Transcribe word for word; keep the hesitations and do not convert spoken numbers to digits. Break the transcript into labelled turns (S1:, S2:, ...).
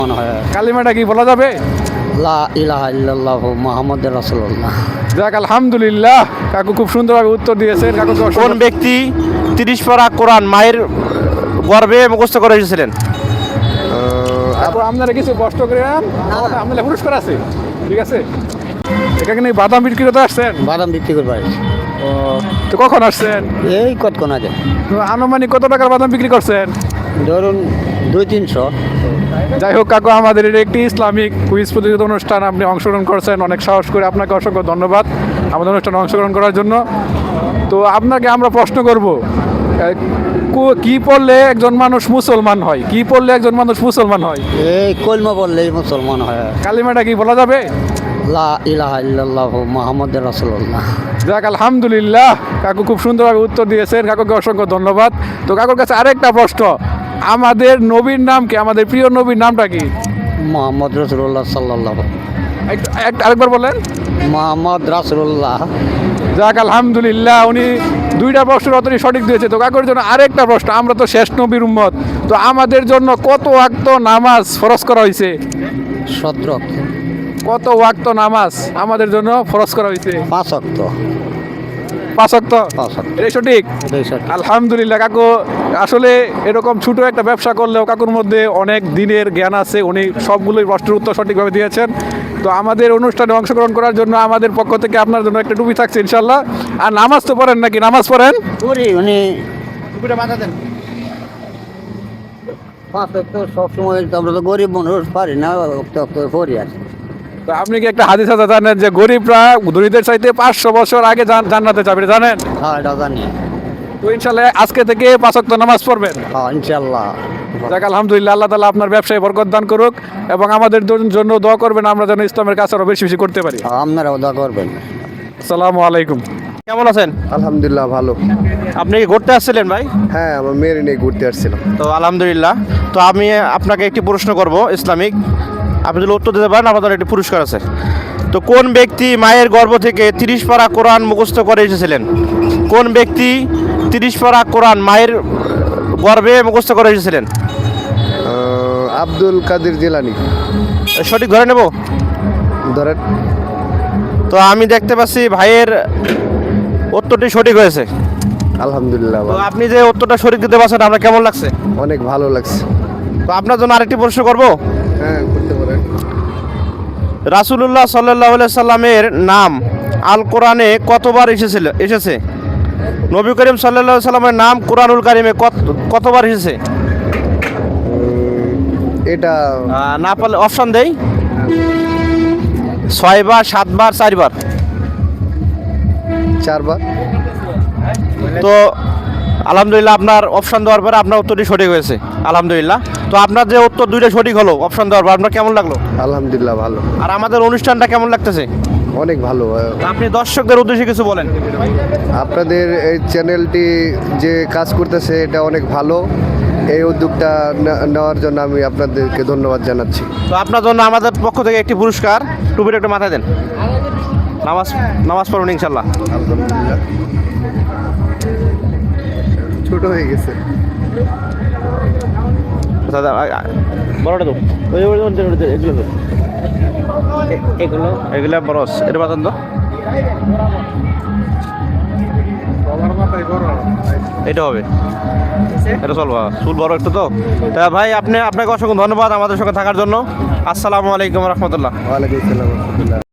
S1: মনে হয়
S2: কালিমাটা কি বলা যাবে?
S1: লা ইলাহা ইল্লাল্লাহু মুহাম্মাদুর রাসূলুল্লাহ।
S2: যাক আলহামদুলিল্লাহ, কাকু খুব সুন্দরভাবে উত্তর দিয়েছেন। কাকু
S3: কোন ব্যক্তি তিরিশ পারা কোরআন মায়ের গর্ভে মুখস্থ করে এসেছিলেন?
S2: তারপর আপনারা কিছু কষ্ট করে আপনাদের পুরস্কার আছে, ঠিক আছে? এখানে বাদাম বিক্রি করতে আসছেন?
S1: বাদাম বিক্রি করতে পারি।
S2: ও, তো কখন আসছেন?
S1: এই কতক্ষণ আগে।
S2: তো আনুমানিক কত টাকার বাদাম বিক্রি করছেন?
S1: ধরুন দুই তিনশো।
S2: যাই হোক কাকু, আমাদের এটা একটি ইসলামিক কুইজ প্রতিযোগিতা অনুষ্ঠান, আপনি অংশগ্রহণ করছেন, অনেক সাহস করে আপনাকে অসংখ্য ধন্যবাদ আমাদের অনুষ্ঠানে অংশগ্রহণ করার জন্য। তো আপনাকে আমরা প্রশ্ন করব, কি পড়লে একজন মানুষ মুসলমান হয়? কি পড়লে একজন মানুষ মুসলমান হয়?
S1: এই কলমা বললেই মুসলমান হয়।
S2: কালিমাটা কি বলা যাবে?
S1: লা ইলাহা ইল্লাল্লাহু মুহাম্মাদুর রাসূলুল্লাহ।
S2: যাক আলহামদুলিল্লাহ, কাকু খুব সুন্দরভাবে উত্তর দিয়েছেন। কাকুকে অসংখ্য ধন্যবাদ। তো কাকুর কাছে আরেকটা প্রশ্ন, আমাদের নবীর নাম কি? আমাদের প্রিয় নবীর নামটা কি?
S1: মুহাম্মদ রাসূলুল্লাহ সাল্লাল্লাহু।
S2: একটু এক- আরেকবার বলেন।
S1: মুহাম্মদ রাসূলুল্লাহ।
S2: যাক আলহামদুলিল্লাহ, উনি দুইটা প্রশ্নের উত্তরই সঠিক দিয়েছে। তো কাকুর জন্য আরেকটা প্রশ্ন, আমরা তো শেষ নবীর উম্মত, তো আমাদের জন্য কত ওয়াক্ত নামাজ ফরজ করা হয়েছে?
S1: সতেরো।
S2: কত ওয়াক্ত নামাজ আমাদের জন্য ফরজ করা হয়েছে?
S1: পাঁচ ওয়াক্ত।
S2: পাঁচ ওয়াক্ত।
S1: পাঁচ ওয়াক্ত।
S2: এটা সঠিক?
S1: এটাই সঠিক।
S2: আলহামদুলিল্লাহ কাকু, আসলে এরকম ছোট একটা ব্যবসা করলেও কাকুর মধ্যে অনেক দিনের জ্ঞান আছে, উনি সবগুলোই প্রশ্নের উত্তর সঠিকভাবে দিয়েছেন। তো আমাদের অনুষ্ঠানে অংশগ্রহণ করার জন্য আমাদের পক্ষ থেকে আপনার জন্য একটা টুপি থাকছে ইনশাল্লাহ। আর নামাজ তো পড়েন নাকি? নামাজ পড়েন?
S1: করি উনি
S2: টুপিটা মাথা দেন।
S1: পাঁচ ওয়াক্ত সবসময়, আমরা তো গরিব মানুষ পারি না, ওক্ত ওক্ত করি আর।
S2: তো আপনি কি একটা হাদিস আছে জানেন যে গরিবরা ধনীদের চাইতে পাঁচশো বছর আগে জান- জান্নাতে যাবে, এটা জানেন?
S1: হ্যাঁ এটা জানি।
S2: তো ইনশাল্লাহ আজকে থেকে পাঁচ ওয়াক্ত নামাজ পড়বেন।
S1: হ্যাঁ ইনশাল্লাহ।
S2: যাক আলহামদুলিল্লাহ, আল্লাহ তাআলা আপনার ব্যবসায় বরকত দান করুক এবং আমাদের জন্য দোয়া করবেন, আমরা যেন ইসলামের কাছে আরো বেশি বেশি করতে পারি।
S1: হ্যাঁ, আপনারাও দোয়া করবেন।
S2: আসসালামু আলাইকুম।
S3: কেমন আছেন?
S4: আলহামদুলিল্লাহ ভালো।
S3: আপনি কি ঘুরতে আসছিলেন ভাই?
S4: হ্যাঁ, আমার মেয়ের নিয়ে ঘুরতে আসছিলাম।
S3: তো আলহামদুলিল্লাহ। তো আমি আপনাকে একটি প্রশ্ন করব ইসলামিক, আপনি যদি উত্তর দিতে পারেন আপনার একটি পুরস্কার আছে। তো কোন ব্যক্তি মায়ের গর্ভ থেকে তিরিশ পারা কোরআন মুখস্থ করে এসেছিলেন? কোন ব্যক্তি তিরিশ পারা কোরআন মায়ের গর্ভে মুখস্থ করে এসেছিলেন?
S4: আহ, আব্দুল কাদের জিলানি।
S3: সঠিক ধরে নেব?
S4: ধরেন।
S3: তো আমি দেখতে পাচ্ছি ভাইয়ের উত্তরটি সঠিক হয়েছে।
S4: আলহামদুলিল্লাহ
S3: তো
S4: ভালো।
S3: আপনি যে উত্তরটা সঠিক দিতে পারছেন আপনার কেমন লাগছে?
S4: অনেক ভালো লাগছে।
S3: তো আপনার জন্য আরেকটি প্রশ্ন করব।
S4: হ্যাঁ করতে পারেন।
S3: রাসূলুল্লাহ সাল্লাল্লাহু আলাইহি সাল্লামের নাম আল কোরআনে কতবার এসেছিল এসেছে? নবী করিম সাল্লাল্লাহু আলাইহি সাল্লামের নাম কোরআনুল কারিমে কত কতবার এসেছে?
S4: এটা
S3: আহ, না পারলে অপশন দেই, ছয়বার, সাতবার, চারবার।
S4: চারবার।
S3: তো আলহামদুলিল্লাহ, আপনার অপশন দেওয়ার পরে আপনার উত্তরটি সঠিক হয়েছে আলহামদুলিল্লাহ। তো আপনার যে উত্তর দুইটা সঠিক হলো অপশন দেওয়ার পর, আপনার কেমন লাগলো?
S4: আলহামদুলিল্লাহ ভালো।
S3: আর আমাদের অনুষ্ঠানটা কেমন লাগতেছে?
S4: অনেক ভালো। আহ,
S3: আপনি দর্শকদের উদ্দেশ্যে কিছু বলেন।
S4: আপনাদের এই চ্যানেলটি যে কাজ করতেছে এটা অনেক ভালো। এই উদ্যোগটা ne- নেওয়ার জন্য আমি আপনাদেরকে ধন্যবাদ জানাচ্ছি।
S3: তো আপনার জন্য আমাদের পক্ষ থেকে একটি পুরস্কার, টুপির একটা মাথায় দেন। নামাজ নামাজ পড়ুন ইনশাল্লাহ।
S4: আলহামদুলিল্লাহ। ছোট হয়ে গেছে।
S3: দাদা বড়টা তো ওই ওই ওই- ওই- ওই- এগুলো তো। এ- এগুলো এগুলো বরস এটা বাতন তো এটা হবে, এটা চলবা চুল বড় একটু তো। তা ভাই আপনি আপনাকে অসংখ্য ধন্যবাদ আমাদের সঙ্গে থাকার জন্য। আসসালামু আলাইকুম রহমতুল্লাহ।
S4: ওয়ালাইকুম আসসালাম।